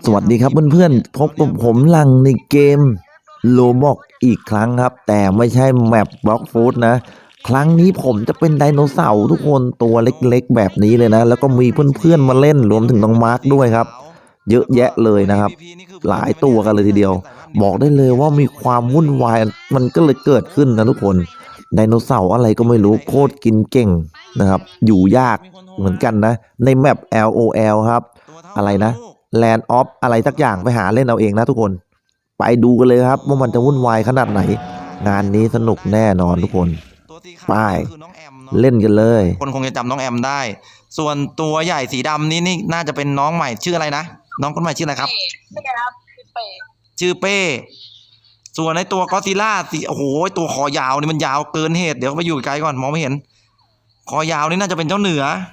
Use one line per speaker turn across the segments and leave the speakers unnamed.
วัสดีครับเพื่อนๆพบกับผมหลังในเกมโลบอกอีกครั้งครับแต่ไม่ใช่แมปบล็อกฟูดนะครั้งนี้ผมจะเป็นไดโนเสาร์ทุกคนตัวเล็กๆแบบนี้เลยนะแล้วก็มีเพื่อนๆมาเล่นรวมถึงน้องมาร์คด้วยครับเยอะแยะเลยนะครับหลายตัวกันเลยทีเดียวบอกได้เลยว่ามีความวุ่นวายมันก็เลยเกิดขึ้นนะทุกคนไดโนเสาร์อะไรก็ไม่รู้โคตรกินเก่งนะครับอยู่ยากเหมือนกันนะในแมป LOL ครับอะไรนะLand of อะไรสักอย่างไปหาเล่นเอาเองนะทุกคนไปดูกันเลยครับว่ามันจะวุ่นวายขนาดไหนงานนี้สนุกแน่นอนทุกคนไปเล่นกันเลย
คนคงจะจำน้องแอมได้ส่วนตัวใหญ่สีดำนี่น่าจะเป็นน้องใหม่ชื่ออะไรนะน้องคนใหม่ชื่ออะไรครับชื่อเป้ส่วนในตัวก็อดซิลล่าสีโอ้โหตัวคอยาวนี่มันยาวเกินเหตุเดี๋ยวไปอยู่ไกลก่อนมองไม่เห็นคอยาวนี่น่าจะเป็นเจ้าเหนื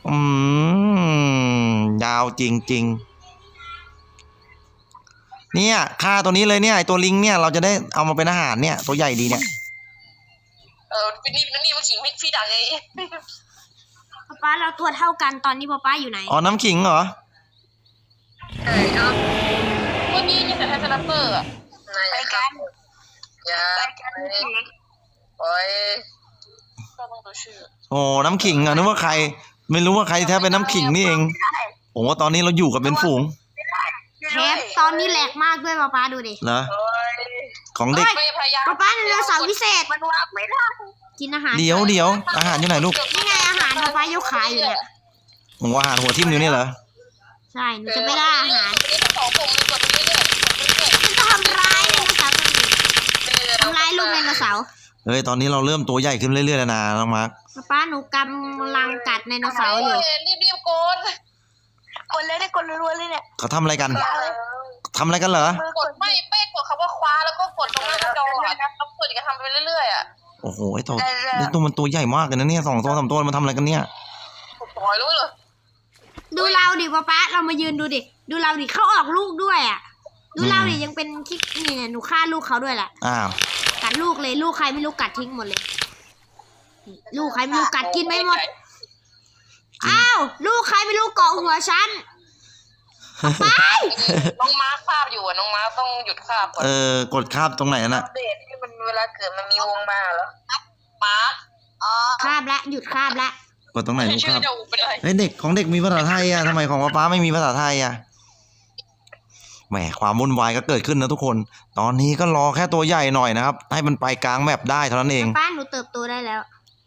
อยาวจริงๆเนี่ยฆ่าตัวนี้เลยเนี่ยไอตัวลิงเนี่ยเราจะได้เอามาเป็นอาหารเนี่ยตัวใหญ่ดีเนี่ย
นี่มันขิงพี่ดังไง
ป๊าเราตัวเท่ากันตอนนี้ป๊าอยู่ไหน
อ๋อน้ำขิงเหรอ
ใช่ครับเมื่อกี้ยิงแต่ไทสลัปเปอร์อะไปกันอย่าโอ้ยก็ต้องดูชื่อ
โอ้น้ำขิงอ่ะนึกว่าใครไม่รู้ว่าใครแท้เป็นน้ำขิงนี่เองโอ้ตอนนี้เราอยู่กับเป็นฝูง
เทปตอนนี้แหลกมากด้วยป๊าดูดิ
เหรอของเด็ก
ป๊าเรือเสาพิเศษมันวางไม่ได้กินอาหาร
เดี๋ยวอาหารอยู่ไหนลูก
นี่ไงอาหารป๊ายกขายอยู่เนี่ย
ผมว่าอาหารหัวทิ่มอยู่นี่เหรอ
ใช่หนูจะไม่ได้อาหาร
มัน
ทำร้ายไดโนเสาร์ทำร้ายลูกไดโนเสาร์
เฮ้ยตอนนี้เราเริ่มตัวใหญ่ขึ้นเรื่อยๆแล้วนะน้องมาร์ค
ป๊าหนูกำลังกัดไดโนเสาร์อยู่
รีบกดเลยได้กดรัวๆเลยเนี่ย
เขาทำอะไรกันเหรอก
ดไม่เป๊กกดคำว่าคว้าแล้วก็กดตรงหน้าจอแล้วกดอีกทำไปเรื่อยๆอ่ะ
โอ้โหไอ้ตัวมันตัวใหญ่มากเลยนะเนี่ย2 ตัว 3 ตัวมันทำอะไรกันเนี่ย
ปล่อยรู้เลย
ดูเราดิป๊าเรามายืนดูดิดูเราดิเขาออกลูกด้วยอ่ะดูเราดิยังเป็นคิดนี่หนูฆ่าลูกเขาด้วยแหละ
อ้าว
กัดลูกเลยลูกใครไม่รู้กัดทิ้งหมดเลยลูกใครไม่รู้กัดกินไม่หมดอ้าวลูกใครไม่รู้เกาะหัวฉันไป
น้องมาร์คภาพอยู่อ่ะน้องมาร์คต้องหยุดภาพก่อน
กดคาบตรงไหนน่ะ
เดทที่มันเวลาเกิดมันมีวงมาเหรอมาร์ค
คาบละหยุดคาบละ
กดตรงไหนลูกครับเฮ้ยเด็กของเด็กมีภาษาไทยอ่ะทำไมของป๊าไม่มีภาษาไทยอ่ะแหมความวุ่นวายก็เกิดขึ้นนะทุกคนตอนนี้ก็รอแค่ตัวใหญ่หน่อยนะครับให้มันไปกลางแมปได้เท่านั้นเอง
ป้าหนูเติบโตได้แล้ว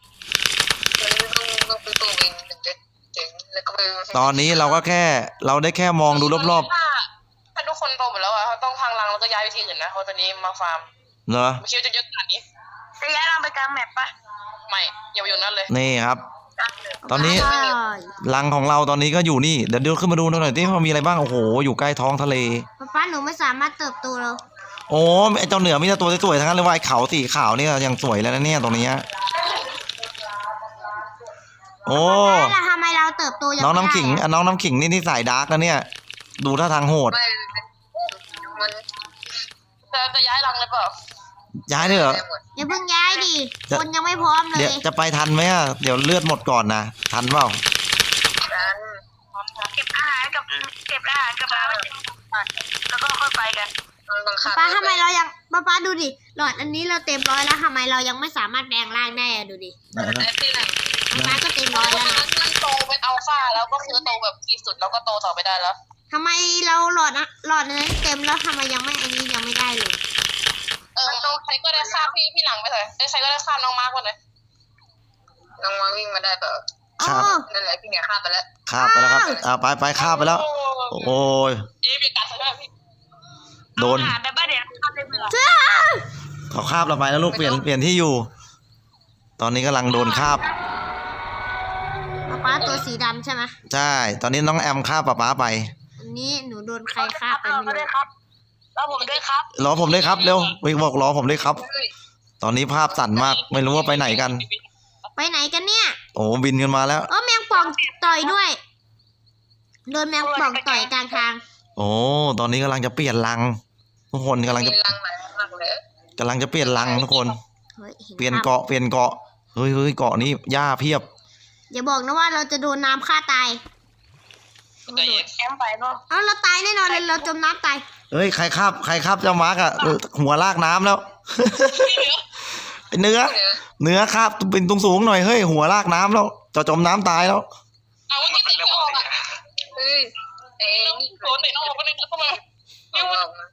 ตอนนี้เราก็แค่เราได้แค่มองดูรอบ
ๆถ้าทุกคนโตหมดแล้วอ่ะเขาต้องพังรังแล้วก็ย้ายไปที่อื่นนะเพราะตอนนี้มาฟาร์ม
เหรอ
ไม่คิดว่าจะเยอะขนาดนี้จะย้ายรังไปกลางแมปปะไม่อย่าไปอยู่นั่นเลย
นี่ครับตอนนี้รังของเราตอนนี้ก็อยู่นี่เดี๋ยวขึ้นมาดูหน่อยที่มันมีอะไรบ้างโอ้โหอยู่ใกล้ท้องทะเล
ป้าหนูไม่สามารถเติบโตแล้ว
โอ้ไอเจ้าเหนือมีแต่ตัวสวยๆทั้งนั้นเลยว่าไอเขาสีขาวนี่ยังสวยแล้วนะเนี่ยตรงนี้โอ้
ทำไมเราเติบโตยัง
น้องน้ำขิงน้องน้ำขิงนี่สายดาร์กนะเนี่ยดูท่าทางโหด
จะย้ายรังเลยเปล่า
ย้ายเลยเหรอ
อย่าเพิ่งย้ายดิคนยังไม่พร้อมเลย
เดี๋ยวจะไปทันไหมอ่ะเดี๋ยวเลือดหมดก่อนนะทันเปล่า
เก็บอาหารกับน้ำแล้วก็ค่อยไปกัน
ป้าทำไมเรายังป้าดูดิหลอดอันนี้เราเต็มร้อยแล้วทำไมเรายังไม่สามารถแปลงร่างได้ดูดิป้าก็เต็มร้อยแล้วนะ
มันโตเป็นอัลฟาแล้วก็คือโตแบบที่สุดแล้วก็โตต่อไปได้แล้ว
ทำไมเราหลอดนั้นเต็มแล้วทำไมยังไม่อันนี้ยังไม่ได้เลย
ใครก็ได้ฆ่าพี่หลังไปเลยใครก็ได้ฆ่าน้องมาร์กคนเลยน้องมาร์กวิ่งมาได้เปล่านั่นแหละพี่เนี่ยฆ่าไปแล้ว
ครับไปฆ่าไปแล้วโอ้ยโดนเขาคาบเราไปแล้วลูกเปลี่ยนที่อยู่ตอนนี้กำลังโดนคาบ
ป๊าตัวสีดำใช่ไหม
ใช่ตอนนี้น้องแอมคาบป๊าไป
อันนี้หนูโดนใครคาบไปไม่รู้
รอผมด้วยครับ
รอผมด้วยครับเร็ววิ่งบอกรอผมด้วยครับตอนนี้ภาพสั่นมากไม่รู้ว่าไปไหนกัน
ไปไหนกันเนี่ย
โอ้บินกันมาแล้ว
แมงป่องต่อยด้วยโดนแมงป่องต่อยกลางทาง
โอ้ตอนนี้กำลังจะเปลี่ยนรังทุกคนกำลังจะเปลี่ยนรังทุกคนเปลี่ยนเกาะเฮ้ยเกาะนี้หญ้าเพียบ
อย่าบอกนะว่าเราจะโดนน้ำฆ่าตาย
แต่แอมไปเนาะ
เอาเราตายแน่นอนเลยเราจมน้ำตาย
เฮ้ยใครครับเจ้ามาร์กอะหัวลากน้ำแล้ว ไอ้เนื้อครับเป็นตรงสูงหน่อยเฮ้ยหัวลากน้ำแล้วจะจมน้ำตายแล้ว
เอาเมื่อกี้เตะออกอ่ะเฮ้ยนี่โดนเตะออกไปเลยเข้ามานิ้ว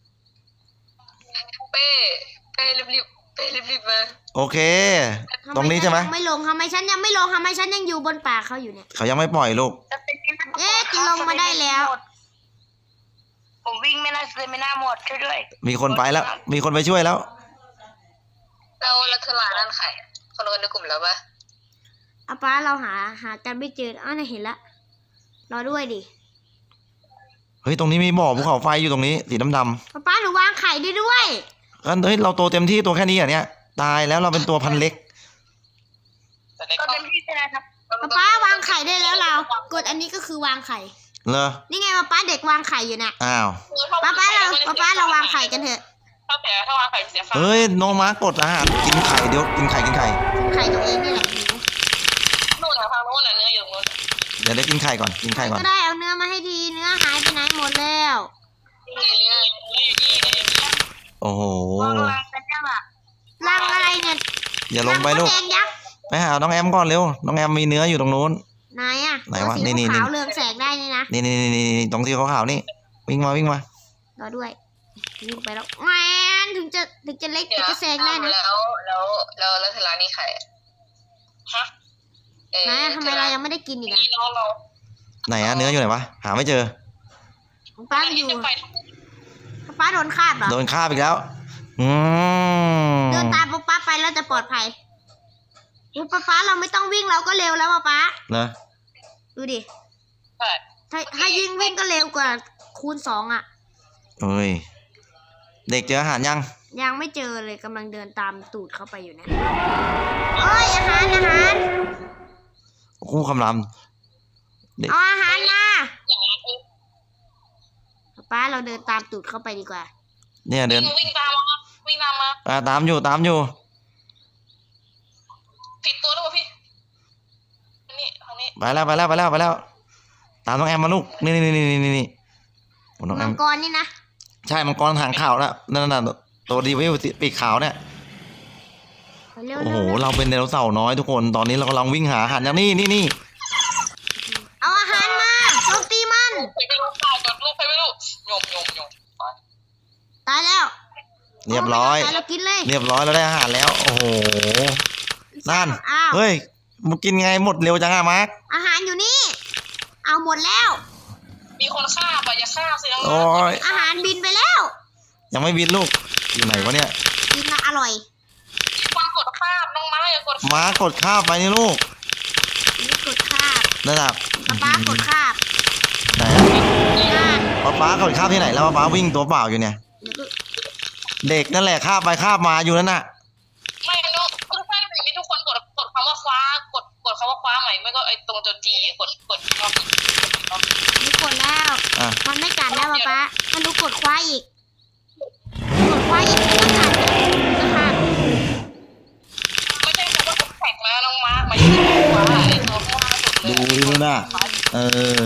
เป้รีบมา
โอเค ตรงนี้ใช่ไหม
ไม่ลงทำไมฉันยังไม่ลงทำไมฉันยังอยู่บนป่าเขาอยู่เนี่ย
เขายังไม่ปล่อยลูก
เอ๊ะลงมาได้แล้ว
ผมวิ่งไม่น่าเลยไม่น่าหมดช่วยด้วย
มีคนไปแล้ว มีคนไปช่วยแล้ว
เราเธอหลานนั่นใครคนในกลุ่มแล้วปะ
อาป้าเราหากันไม่เจออ้าวน่ะเห็นละรอด้วยดิ
เฮ้ยตรงนี้มีบ่อภูเขาไฟอยู่ตรงนี้สีดำ
ป้าหนูวางไข่ได้ด้วย
ๆเฮ้ยเราโตเต็มที่ตัวแค่นี้เหรอเนี่ยตายแล้วเราเป็นตัวพันเล็ก
ก็เต็มที่ใช่ไหมครับ
ป้าวางไข่ได้แล้วเรากดอันนี้ก็คือวางไข่
เหรอ
นี่ไงป้าเด็กวางไข่อยู่น่ะ
อ้าว
ป้าเราวางไข่กันเถอะ
ถ้าวางไข่เสียค่า
เฮ้ยน้องม้ากดอาหารกินไข่เดี๋ยวกินไข่
ไข่ตัวเองนี่แหละหิว
นู่นนะฟังนู่นน่ะเนื้ออยู่นู่น
เดี๋ยวได้กินไข่ก่อนกินไข่ก่อน
ก็ได้เอาเนื้อมาให้ทีเนื้อหายไปไหนหมดแล้ว
โอ้โห
วางรังกันยังอ่ะ
รังอะไรเนี่ย
อย่าลงไปลูก
รังมดแดงยักษ์
ไปหาน้องแอมก่อนเร็วน้องแอมมีเนื้ออยู่ตรงนู้น
ไหนอ่ะ
ไหนวะ
ตัวสี
นี่
ขาวๆเรืองแสงได้นี่นะ
นี่ตรงที่ขาวๆนี่วิ่งมาร
อด้วยวิ่งไปแล้วแมนถึงจะเล็กถึงจะแซงได้นะ
แล้วเธอร้านนี้ใครฮะ
นะทำไมเรายังไม่ได้กินอีกอ่ะ
นี่น้องเรา
ไหนอะเนื้ออยู่ไหนวะหาไม่เจอ
ป้าอยู่ป้าโดนคาบเหรอ
โดนฆ่าบอีกแล้วอืม
เดินตามป้าไปแล้วจะปลอดภัยอุ๊ยป้าเราไม่ต้องวิ่งเราก็เร็วแล้วป้า
เนอะ
ดูดิ
ใช่
ถ้ายิ่งวิ่งก็เร็วกว่าคูณ2อ่ะ
เฮ้ยเด็กเจออาหารยัง
ยังไม่เจอเลยกำลังเดินตามตูดเข้าไปอยู่นะโอ้ยอาหาร
คู่คำราม
เอาอาหารมาป้าเราเดินตามตูดเข้าไปดีกว่า
เนี่ยเดิน
วิ่งตามมา
ตามอยู่
ผิดตัวหรือเปล่าพี่นี่ทางนี้
ไปแล้วตามน้องแอมมาลูกนี่โอ้น้องแอ
มั
ม
งกรนี่นะ
ใช่มังกรหางขาวแล้วนั่นน่ะตัวดีวิวปีกขาวเนี่ย
ไปเร็ว
โอ้
เร็
โห
ว
เราเป็นไดโนเสาร์น้อยทุกคนตอนนี้เรากำลังวิ่งหาอาหารอย่างนี่
เอาอาหารมาโจมตีมัน
ใครไม่รู้ข่าวจดลูกใครไม่รู้โยม
ตายแล้ว
เรียบร้อย
ตายเรากินเลย
เรียบร้อยเราได้อาหารแล้ว โอ้โหนั่น
อ้าว
เฮ้ยมึงกินไงหมดเร็วจังอะมาร์ค
อาหารอยู่นี่ เอาหมดแล้ว
มีคนฆ่าป่ะอย่าฆ่าสิน้อง
โอ้ย
อาหารบินไปแล้ว
ยังไม่บินลูกอยู่ไหนวะเนี่ย
กินนะอร่อย
มีคนกดฆ่าน้องม้าอย่ากด
ม้ากดข้าวไปนี่ลูก
นี่กดคาบ
นั่นน่ะ
ป้ากดคาบ
ไหน
นั่น
ป๊ากดข้าวที่ไหนแล้วป๊าวิ่งตัวเปล่าอยู่เนี่ย
แล้วก็
เด็กนั่นแหละข้าบไปข้าบมาอยู่นั่นน่ะ
ไม่น้องคือใช่สิ่งที่ทุกคนกดคำว่าคว้ากดคำว่าคว้าใหม่ไม่ก็ไอ้ตรงจนจีกดรอบ
นี่กดแล้ว
อ่ะ
มันไม่กัดแล้วป้าถ้ารู้กดคว้าอีก กดคว้าอีกมันกัดนะคะ
ไม่ใช่คำว่าแท็กนะน้องม้าหมายถึงคว้าไอ้ตัวข้างล่างสุดเลย
ดูดิน่ะเออ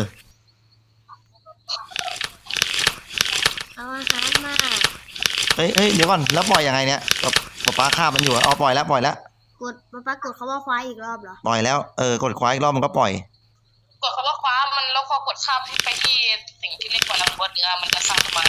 เอาอาหารมา
เฮ้ยเดี๋ยวก่อนแล้วปล่อยยังไงเนี่ยป๊าข้าบมันอยู่อ๋อปล่อยแล้ว
กดป้ากดเขาว่าคว้าอีกรอบเหรอ
ปล่อยแล้วกดคว้าอีกรอบมันก็ปล่อย
กดคำว่าคว้ามันแล้วพอกดข้ามไปที่สิ่งที่เรียกว่าลำบนเนื้อมันจะสร้างขึ้นมา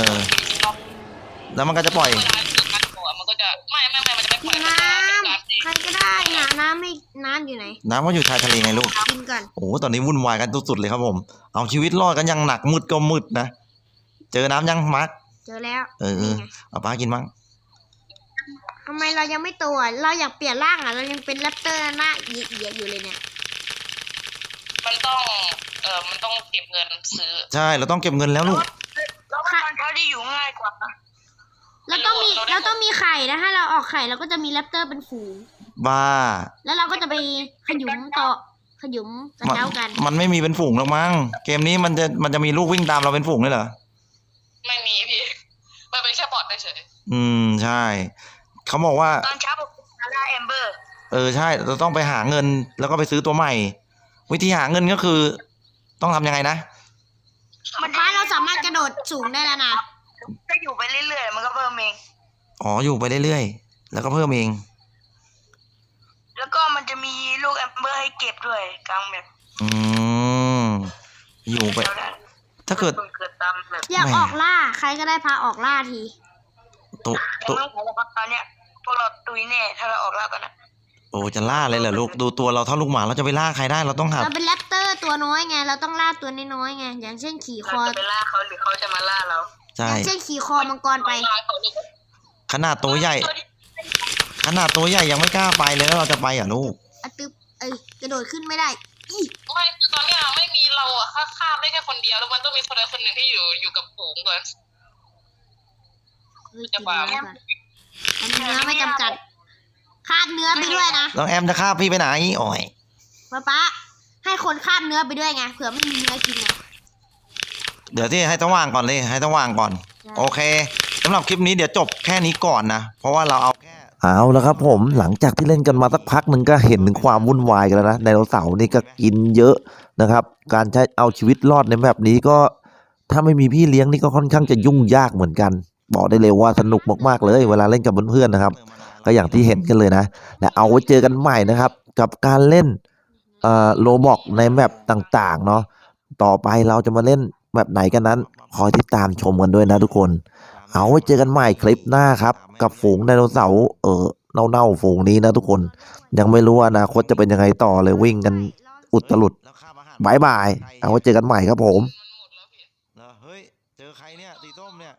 แล้วมันก็จะปล่อย
มันก็จะไม่มันจะไม่ปล่อย
น้ำใครก็ได้หาน้ำไม่น้ำอยู่ไหน
น้ำก็อยู่ชายทะเลไงลูก
กินก่อน
โอ้โหตอนนี้วุ่นวายกันสุดๆเลยครับผม เอาชีวิตรอดกันยังหนักมืดก็มืดนะ เจอน้ำยังมาร์ค
เจอแล้ว
นี่
ไง
เอาป้ากินมั้ง
ทำไมเรายังไม่โตอ่ะเราอยากเปลี่ยนร่างอ่ะเรายังเป็นแรปเตอร์หน้าเหยียดอยู่เลยเนี่ย
มันต้องเก็บเงินซื้อ
ใช่เราต้องเก็บเงินแล้วลูก
แล้วมันเขาได้อยู่ง่ายกว่านะ
เราต้องมีไข่นะถ้าเราออกไข่เราก็จะมีแรปเตอร์เป็นฝูง
บ้า
แล้วเราก็จะไปขยุมต่อขยุมกระเจ้ากัน
มันไม่มีเป็นฝูงหรอกมั้งเกมนี้มันจะมีลูกวิ่งตามเราเป็นฝูงเลยเหรอ
ไม่มีพี่มันเป็นแค่บอทเฉย
ใช่เขาบอกว่า
ตอนเช้าผมหาได้แอมเบอร์
ใช่เราต้องไปหาเงินแล้วก็ไปซื้อตัวใหม่ วิธีหาเงินก็คือ ต้องทำยังไงนะ
ป้าเราสามารถกระโดดสูงได้แล้วนะ
ถ้าอยู่ไปเรื่อยๆมันก็เพิ่มเอง
อ๋ออยู่ไปเรื่อยๆแล้วก็เพิ่มเอง
แล้วก็มันจะมีลูกแอมเบอร์ให้เก็บด้วยกลางแบบ
อืมอยู่ไป ถ้าเกิด
เกิดตามแบบ
อยากออกล่า ใครก็ได้พาออกล่าที
ตัว
แต่
ตัว
ไม่ขอแล้วครับตอนเนี้ยพวกเราตุยแน่ถ้าเราออกแล้วกันนะ
โอ้จะล่าเลยเหรอลูกดูตัวเราเท่าลูกหมาเราจะไปล่าใครได้เราต้องหา
เราเป็นแรปเตอร์ตัวน้อยไง เราต้องล่าตัวน้อยๆไง อย่างเช่นขี่ค
เรา
อ
จะไปล่าเขาหรือเขาจะมาล่าเรา
ใช่
อย่างเช่นขี่คอมังกรไป
ขนาดตัวใหญ่ ขนาดตัวใหญ่ยังไม่กล้าไปเลยแล้วเราจะไปเหรอลูก
อะตึบกระโดดขึ้นไม่ได้อี
ไม่คือตอนเนี้ยไม่มีเราอะข้ามได้แค่คนเดียวแล้วมันต้องมีคนใดคนหนึ่งที่อยู่กับฝูงก่อน
เฮ้ยกินเนื้อก่อนอันนี้เนื้อไม่จำกัดคาบเนื้อไปด้วยนะ
น้องแอมจะฆ่าพี่ไปไหนโอ้ย
ป๊าให้คนคาบเนื้อไปด้วยไง เผื่อไม่มีเนื้อกินไง
เดี๋ยวที่ให้ต้องวางก่อนเลยให้ต้องวางก่อน โอเคสำหรับคลิปนี้เดี๋ยวจบแค่นี้ก่อนนะ เพราะว่าเราเอาแค่
เอาแล้วครับผมหลังจากที่เล่นกันมาสักพักหนึ่งก็เห็นถึงความวุ่นวายกันแล้วนะไดโนเสาร์นี่ก็กินเยอะนะครับ การใช้เอาชีวิตรอดในแบบนี้ก็ถ้าไม่มีพี่เลี้ยงนี่ก็ค่อนข้างจะยุ่งยากเหมือนกัน บอกได้เลยว่าสนุกมากๆเลยเวลาเล่นกับเพื่อนๆนะครับ ก็อย่างที่เห็นกันเลยนะ และเอาไว้เจอกันใหม่นะครับ กับการเล่นโลบอกในแมปต่างๆเนาะต่อไปเราจะมาเล่นแบบไหนกันนั้น คอยติดตามชมกันด้วยนะทุกคน เอาไว้เจอกันใหม่คลิปหน้าครับ กับฝูงไดโนเสาร์เน่าๆฝูงนี้นะทุกคน ยังไม่รู้ว่าอนาคตจะเป็นยังไงต่อเลยวิ่งกันอุตลุดบายบาย เอาไว้เจอกันใหม่ครับผม
เหรอเฮ้ยเจอใครเนี่ยสีส้มเนี่ย